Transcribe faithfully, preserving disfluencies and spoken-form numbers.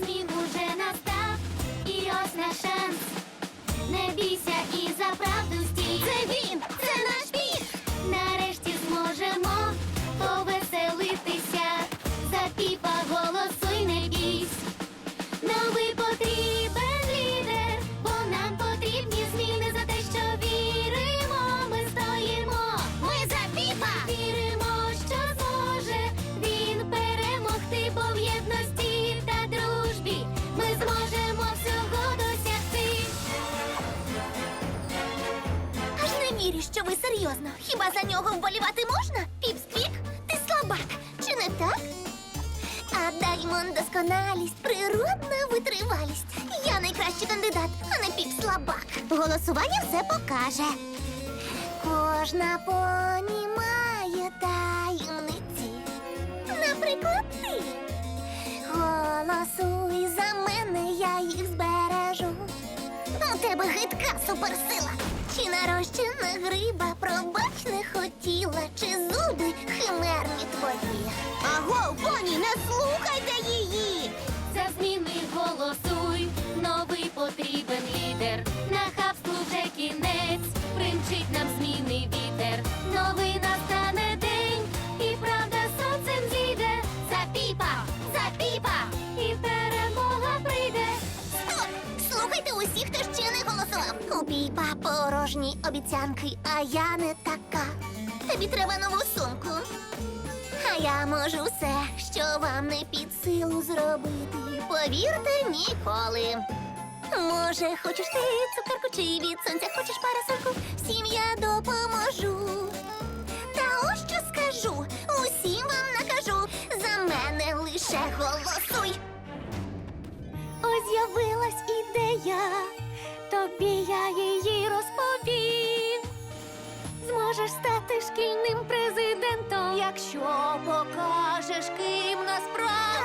змін уже настав, і ось наш шанс. Не бійся і за правду стій. Це він, це наш біг. Нарешті зможемо повеселитися. За Піпа голосуй, не бійсь. Новий потрібен лідер, бо нам потрібні зміни. За те, що віримо, ми стоїмо. Ми за Піпа! Віримо, що зможе він перемогти, бо в єдності та дружбі ми зможемо всього досягти. Аж не вірю, що ви серйозно. Хіба за нього вболівати можна? Піп-сквік, ти слабак, чи не так? А Даймон досконалість, природна витривалість. Я найкращий кандидат, а не піп-слабак. Голосування все покаже. Кожна поні має таємниці. Наприклад, ти. Голосуй за мене, я їх збережу. У тебе гидка суперсила. Чи нарощена гриба, пробач не хотіла, чи зуби химерні твої. Аго, поні, не слухайте її! За зміни голосуй, новий потрібен лідер. Нахабству вже кінець, примчить нам зміни вітер. Новий настане день, і правда сонцем зійде. За Піпа, за Піпа, і перемога прийде. Стоп! Слухайте усіх, хто ще не голосував. У Піпа порожні обіцянки, а я не така. Тобі треба нову сумку. А я можу все, що вам не під силу зробити. Повірте, ніколи. Може, хочеш ти цукерку чи від сонця хочеш парасольку? Всім я допоможу. Та ось що скажу, усім вам накажу. За мене лише голосуй. Ось з'явилась ідея, тобі я її розповім. Зможеш стати шкільним президентом, якщо покажеш, ким насправді.